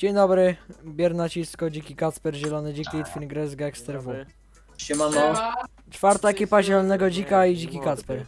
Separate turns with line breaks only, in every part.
Dzień dobry, Biernacisko, Dziki Kacper, Zielony Dzik, Litwin, Gres, Gangster W.
Siemano.
Czwarta ekipa Zielonego Dzika i Dziki Kacper.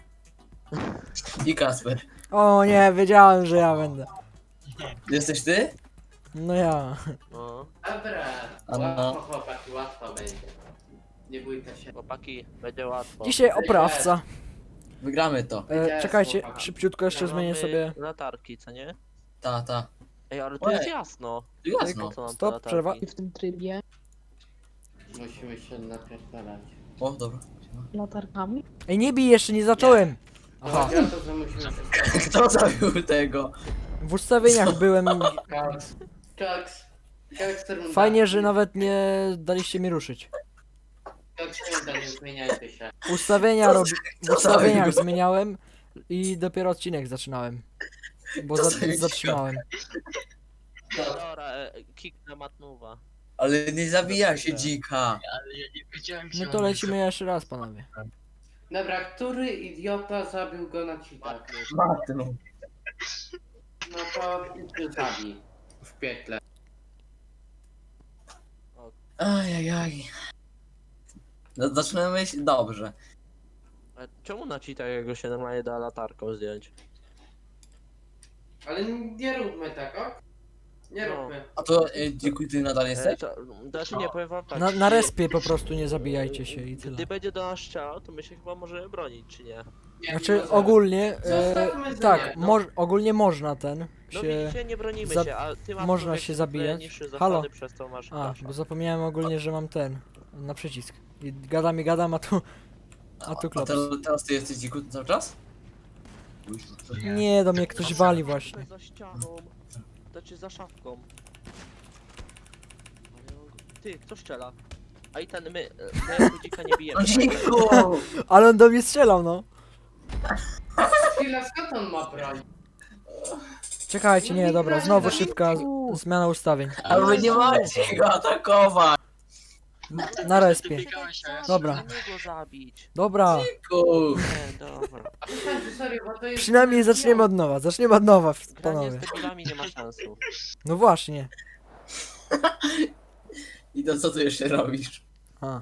I Kasper.
O nie, wiedziałem, że ja będę.
Jesteś ty?
No ja.
No,
Dobra,
A
łatwo
no.
chłopaki, łatwo będzie. Nie bójcie się.
chłopaki, będzie łatwo.
Dzisiaj oprawca.
Wygramy to.
Czekajcie, szybciutko jeszcze zmienię
Mamy
sobie.
latarki, co nie?
Ta.
Ej, ale tu
Ojej.
jest jasno.
Jasno.
Po co nam te
Stop,
latarki?
przerwa.
w tym trybie
Musimy się napierdalać.
O, dobra.
latarkami.
Ej, nie bij jeszcze, nie zacząłem.
Aha.
Aha,
Chodzi o to, że musimy się
Kto zabił tego?
w ustawieniach byłem.
Kaks. Gangster
Fajnie, że nawet nie daliście mi ruszyć.
Gangster nie zmieniajcie się.
Ustawienia w
co
ustawieniach
zabił?
zmieniałem i dopiero odcinek zaczynałem. Bo
Co zabił?
zatrzymałem.
Dobra, kick na matnuwa.
Ale nie zabija się dzika.
No to lecimy jeszcze raz, panowie.
Dobra, który idiota zabił go na cheatach?
Matnu.
No to ty zabij. W piekle.
Ajajaj. No, zaczynamy się dobrze.
A czemu na cheatach jego się normalnie da latarką zdjąć?
Ale nie róbmy tak, ok? Nie
No.
róbmy.
A to dziękuję, ty nadal jesteś?
Znaczy nie, powiem wam tak.
Na respie po prostu nie zabijajcie się i tyle.
Gdy będzie do nas strzelał, to my się chyba możemy bronić, czy nie?
Nie,
Znaczy
nie
ogólnie,
Zostawmy
tak,
zdanie, no.
ogólnie można ten
No
się...
widzicie, nie bronimy
za-
się, a ty masz
można
człowiek,
się
który
zabijać.
niższy zasady,
Halo?
przez to masz
A,
dasza.
bo zapomniałem ogólnie, że mam ten, na przycisk. I gadam, a tu... A tu klops.
Teraz ty jesteś dziku cały czas?
Nie, do mnie ktoś wali właśnie.
Za ścianą, znaczy za szafką. Ty, kto strzela? A i ten, my jako dzika nie bijemy.
No dziku!
Ale on do mnie strzelał, no.
Chwila, skąd on ma broń?
Czekajcie, nie, dobra, znowu szybka zmiana ustawień.
Ale wy nie macie go atakować!
Na respie. Dobra.
Nie go zabić.
Dobra,
Dziku!
Nie, dobra.
A przestańcie, serio, bo to jest...
przynajmniej zaczniemy od nowa,
Granie
panowie.
z debilami nie ma sensu.
No właśnie.
I to co ty jeszcze robisz?
A.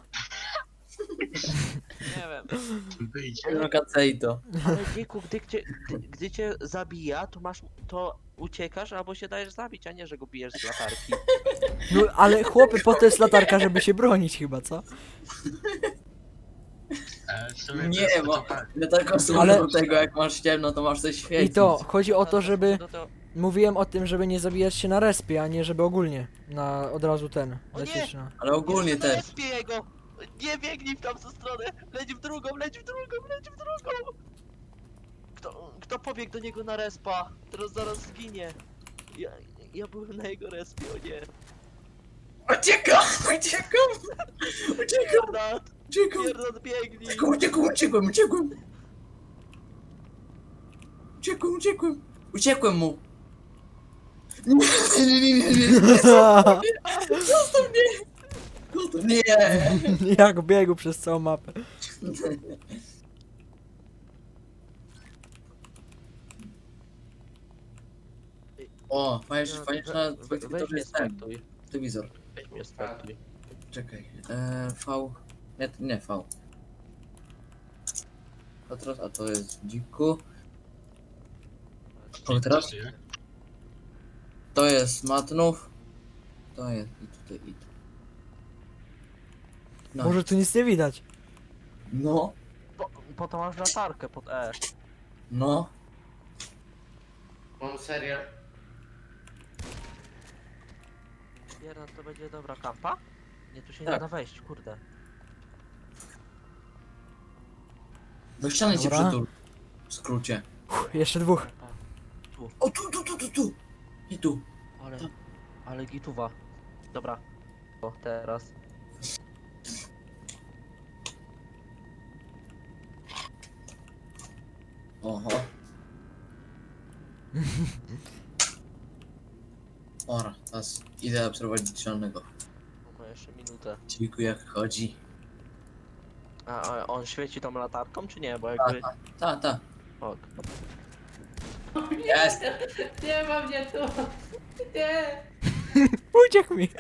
Nie wiem.
No kacej to.
Ale dziku, gdy cię zabija, to uciekasz albo się dajesz zabić, a nie, że go bijesz z latarki.
No ale chłopy, po to jest latarka, żeby się bronić chyba, co?
Nie, bo ja tylko służę
Ale-
do tego, jak masz ciemno, to masz coś świecić.
I to, chodzi o to, żeby...
No to...
Mówiłem o tym, żeby nie zabijać się na respie, a nie żeby ogólnie od razu ten,
O
lecieć na...
Ale ogólnie
Jeszcze
też.
respie jego! Nie biegnij w tamtą stronę! Leć w drugą, leć w drugą, leć w drugą! Kto pobiegł do niego na respa? Teraz zaraz zginie. Ja byłem na jego respie, o nie.
Uciekam! Uciekam!
Pierdot,
Uciekam!
pierdot, biegnij!
Uciekłem mu! Nie! Zostaw mnie! Nie!
Jak biegł przez całą mapę.
O, fajnie, że na
Weź
to
mnie
jest ten
spektuj.
telewizor.
Weź mnie spektuj.
Czekaj. V. Nie V. A to jest dziku. O, teraz? To jest matnów. To jest i tutaj i tu. No.
Może tu nic nie widać.
No.
Po to masz latarkę pod E.
No.
Mam serial.
Pierdot, to będzie dobra kampa? Nie, tu się
Tak.
nie da wejść, kurde.
Do ściany cię
Dobra.
przytul. W skrócie.
Jeszcze dwóch.
O, tu. I tu.
Ale gituwa. Dobra. O, teraz.
Oho. Ora, teraz idę obserwować dzielnego.
Ma jeszcze minutę.
Dziku jak chodzi.
A on świeci tą latarką, czy nie? Bo jakby...
Ta.
O,
Jest!
Nie ma mnie tu! Nie!
Uciekł mi.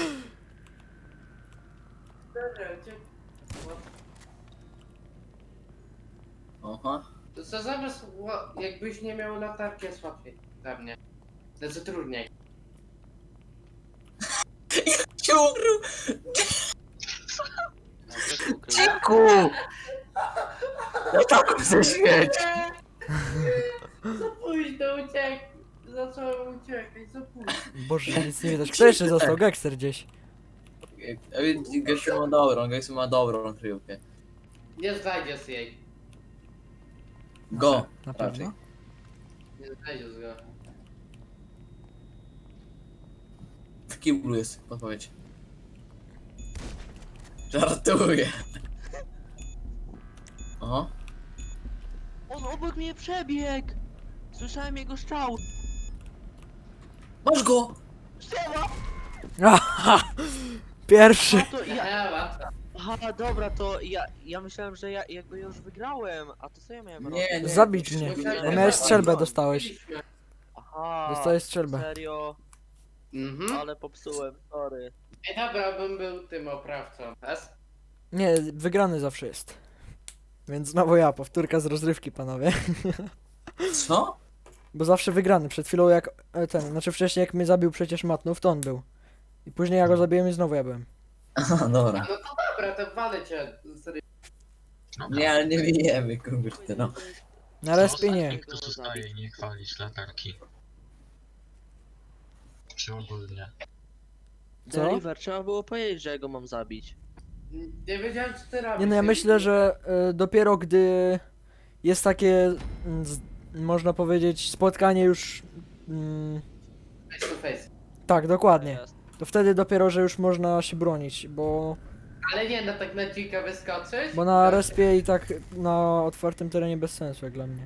Aha.
To co zamiast, jakbyś nie miał latarki, jest łatwiej dla mnie. Znaczy trudniej.
Cię ukrył! Ciku! Ja tak chcę śmieć!
Za późno uciekł. Zacząłem uciekać, za późno.
Boże, nic nie widać. Kto jeszcze został? Gangster gdzieś.
Gościu ma dobrą kryjówkę.
Nie znajdziesz jej.
Go!
Na
raczej.
pewno.
Nie znajdziesz go.
W kiblu jest podpowiedź. Żartuję. Aha.
On obok mnie przebiegł! Słyszałem jego strzał!
Masz go!
Strzała!
Aha! Pierwszy.
A to ja...
Łatwo.
Aha, dobra, to ja myślałem, że ja go już wygrałem, a to co ja miałem robić?
Nie, nie.
Zabić mnie. Bo miałeś strzelbę, dostałeś.
Aha,
Dostałeś strzelbę.
serio?
Mhm.
Ale popsułem, sorry.
Ej, dobra, bym był tym oprawcą.
Nie, wygrany zawsze jest. Więc znowu ja, powtórka z rozrywki, panowie.
Co?
Bo zawsze wygrany. Przed chwilą jak znaczy wcześniej jak mnie zabił przecież Matnów, to on był. I później ja go zabiłem i znowu ja byłem.
Aha, dobra.
No to dobra, to walę cię. Serio.
Nie, ale nie wiemy, kurde, no.
Na respie nie.
Kto zostaje i nie chwalić latarki. Czy ogólnie.
Co?
Deliver, trzeba było powiedzieć, że ja go mam zabić.
Nie wiedziałem co ty robisz.
Nie no, ja myślę, że dopiero gdy jest takie, można powiedzieć, spotkanie już...
Face to face.
Tak, dokładnie.
Jest.
To wtedy dopiero, że już można się bronić, bo
Ale nie, no tak na dzika wyskoczyć?
na respie i tak na otwartym terenie bez sensu jak dla mnie.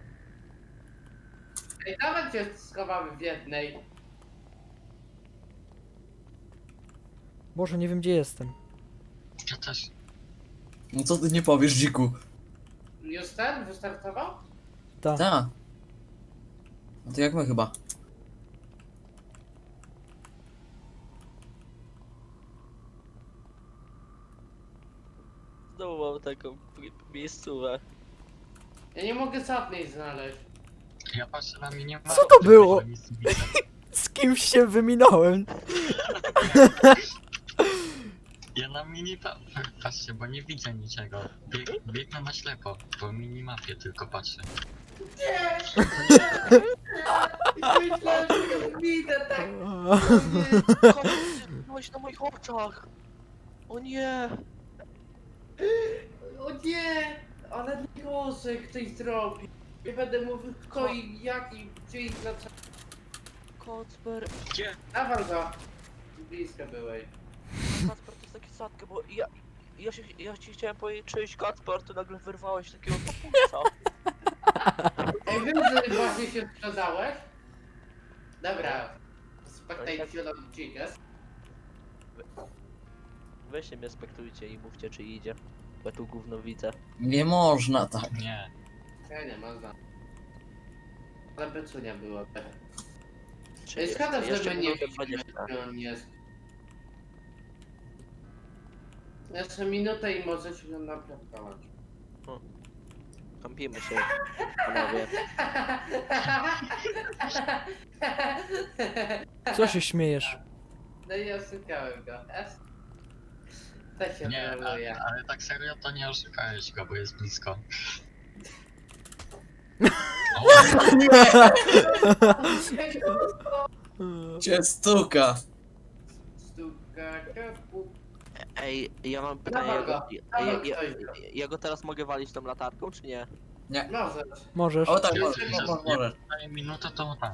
Ej, nawet cię schowamy w jednej.
Boże, nie wiem gdzie jestem.
Ja też.
No co ty nie powiesz, dziku?
Już ten wystartował?
Tak.
Tak. No to jak my chyba.
Znowu mam taką miejscówę.
Ja nie mogę żadnej znaleźć.
Ja patrzę na mnie.
Co to było? Z kimś się wyminąłem.
Ja na patrzcie, bo nie widzę niczego. Biegnę na ślepo, po minimapie tylko patrzę.
Myślałem, że go widzę tak.
Byłeś na moich oczach! O nie!
O nie! Ale gorzej ktoś zrobi. Nie będę mówił kto i jak i gdzie i dlaczego.
Kacper,
Gdzie?
Dawaj go. Blisko byłeś.
Kacper to jest taki sadkę, bo ja ci chciałem powiedzieć czyjś Kacper, ty nagle wyrwałeś takiego papusa.
Ej, wiem, że właśnie się sprzedałeś. Dobra. Spectate zielony chicken.
Weźcie mnie spektujcie i mówcie czy idzie. Bo ja tu gówno widzę.
Nie można tak.
Nie.
Ja nie można. Ale beczunia było.
Czy
Ej, szkoda, że
jeszcze
my nie
minutę
widzimy,
20.
gdzie on jest. Jeszcze minutę i może się go naprawiać.
Kampimy się, panowie.
Co się śmiejesz?
No i oszukałem go. To się
Nie,
troluje.
ale tak serio to nie oszukałeś go, bo jest blisko.
Cię stuka.
Stuka, kapu.
Ej, ja mam pytanie,
Dawaj
ja go teraz mogę walić tą latarką, czy nie?
Możesz.
Możesz.
O tak,
Jest,
możesz,
jest.
możesz.
Daję minutę to tak.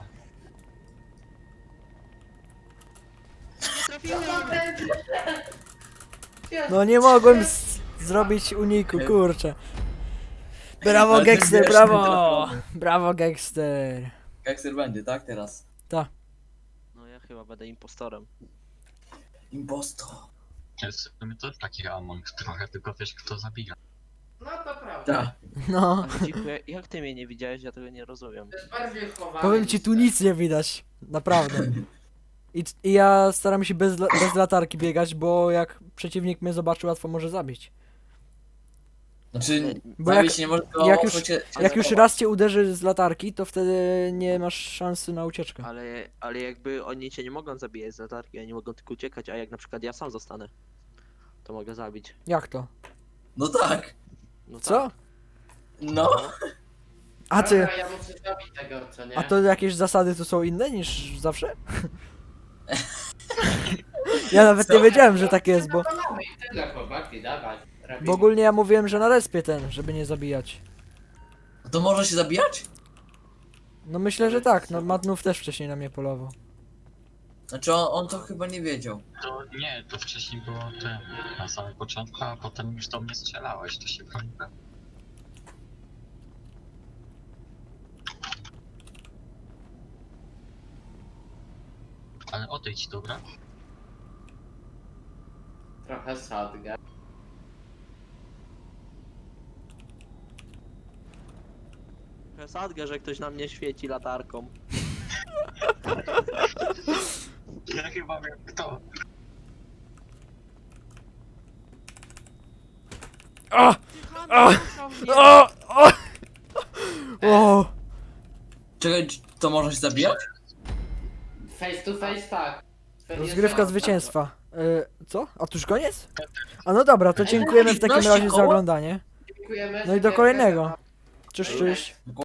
No nie mogłem zrobić uniku, kurczę. Brawo
Ale ty
Gangster,
wiesz,
brawo!
nie
Brawo Gangster.
Gangster będzie, tak teraz?
No ja chyba będę impostorem.
Imposto.
Jest w sumie to taki Among trochę, tylko wiesz kto zabija.
No to prawda.
Tak.
No.
Ale dziku, jak ty mnie nie widziałeś, ja tego nie rozumiem.
To jest bardziej chowane.
Powiem ci, tu nic nie widać. Naprawdę. I ja staram się bez latarki biegać, bo jak przeciwnik mnie zobaczy, łatwo może zabić.
Znaczy,
Bo
zabić
jak-
nie może, tylko
jak
łatwo
już-
cię
Jak już
zachować.
raz cię uderzy z latarki, to wtedy nie masz szansy na ucieczkę.
Ale jakby oni cię nie mogą zabijać z latarki, oni mogą tylko uciekać, a jak na przykład ja sam zostanę, to mogę zabić.
Jak to?
No tak.
No tak.
Co?
No.
A ty,
Dobra, ja muszę zabić tego, co nie?
a to jakieś zasady tu są inne niż zawsze? Ja nawet nie wiedziałem, że tak jest, bo
Mamy i tyle, chłopaki, dawać.
bo ogólnie ja mówiłem, że na respie ten, żeby nie zabijać.
To może się zabijać?
No myślę, że tak, no Matnów też wcześniej na mnie polował.
Znaczy on to chyba nie wiedział.
To nie, to wcześniej było te na samym początku, a potem już do mnie strzelałeś, to się broniłem. Ale odejdź, dobra?
Trochę sadgę.
Sadgę, że ktoś na mnie świeci latarką.
Ja chyba wiem kto.
O! O! O! O!
Czekaj, to można się zabijać?
Face to face, tak.
Rozgrywka zwycięstwa. Co? A to już koniec? A no dobra, to dziękujemy w takim razie za oglądanie.
Dziękujemy.
No i do kolejnego. Cześć, cześć.